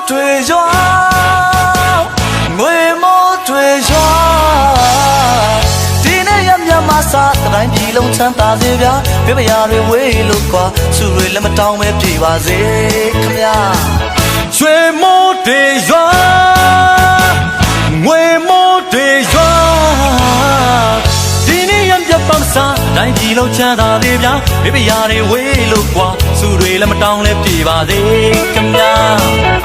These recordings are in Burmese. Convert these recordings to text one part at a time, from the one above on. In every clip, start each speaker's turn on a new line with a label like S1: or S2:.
S1: 对着，为么对着？今年也没马萨，但皮龙长大这边，别把牙瑞为路过，苏瑞那么当为皮娃子，看呀，为么对着？为么对着？帮啥？来皮路长大这边，别把牙瑞为路过，苏瑞那么当为皮娃子，看呀。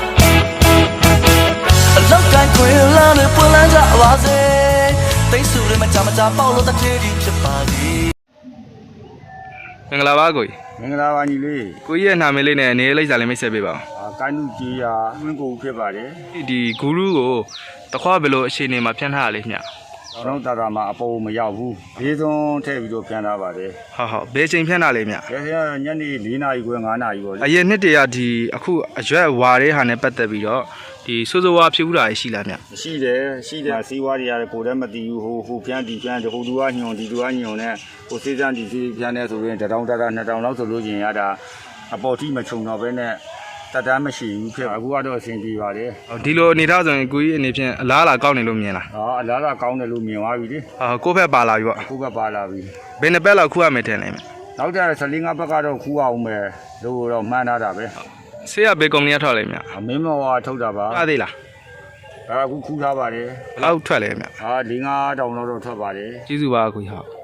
S1: 老干贵了，你不能找娃子。对手的嘛，咱们家保罗的铁定是巴黎。
S2: မင်္ဂလာပါကိုကြီး
S3: မင်္ဂလာပါညီလေး
S2: ကိုကြီးရဲ့နာမည်လေးနဲ့နေလိပ်စာလေးမိတ်ဆက်ပေးပါ
S3: ကိုင်းနုကြီးရာဝင်းကိုဖြစ်ပါတယ်
S2: ဦးဒီဂူရုကိုတခွားဘယ်လိုအခြေအနေမှာဖြန့်ထားရလဲမျှ
S3: တော့တာတာမှာအပေါ်မရောက်ဘူးဘေးသွန်းထည့်ပြီးတော့ပြန်လာပါတယ်
S2: ဟုတ်ဘယ်ချိန်ဖြန့်တာလဲမျှ
S3: ဒါဆိုညနေ4နာရီခွဲ5နာရီပေါ့လေ
S2: အရင်နှစ်တည်းကဒီအခုအရွက်ဝါတဲ့ဟာနဲ့ပတ်သက်ပြီးတော့ဒီစိုးစိုးဝါဖြစ်ဦးတာရှိလားမျှ
S3: ရှိတယ်စီးဝါးတွေရတယ်ကိုယ်တည်းမတည်ဘူးဟိုပြန်ဒီပြန်ဟိုသူကညွန်ဒီသူကညွန်နဲ့ဟိုစေးစမ်းဒီစေးပြန်နေဆိုရင်1000 2000လောက်ဆိုလို့ရင်ရတာအပေါ်ထိမချုံတော့ဘဲနဲ့တတမ်းမရှိဘူးဖြစ်အခုကတော့အဆင်ပြေပါတယ်
S2: ဒီလိုအနေထားဆိုရင်ကိုကြီးအနေဖြင့်အလားအလာကောင်းနေလို့မြင်လား
S3: အလားလားကောင်းတယ်လို့မြင်သွားပြီလေ
S2: ကိုယ့်ဘက်ပါလာပြီပေါ့
S3: အခုကပါလာပြီ
S2: ဘယ်နှစ်ပတ်လောက်ခုရမယ်ထင်လဲမျှ
S3: နောက်ကြ14 5ဘက်ကတော့ခူးအောင်မယ်လို့တော့မှန်းထားတာပဲ
S2: ဆေးရဘယ်ကုမ္ပဏီကထွက်လဲမျှ
S3: မင်းမော်ထုတ်တာပါ
S2: ထွက်သေးလား
S3: အခုခူးထားပါတယ်
S2: ဘယ်လောက်ထွက်လဲမျှ
S3: 4 5တောင်တော့ထွက်ပါတယ်
S2: ကျေးဇူးပါကိုကြီးဟုတ်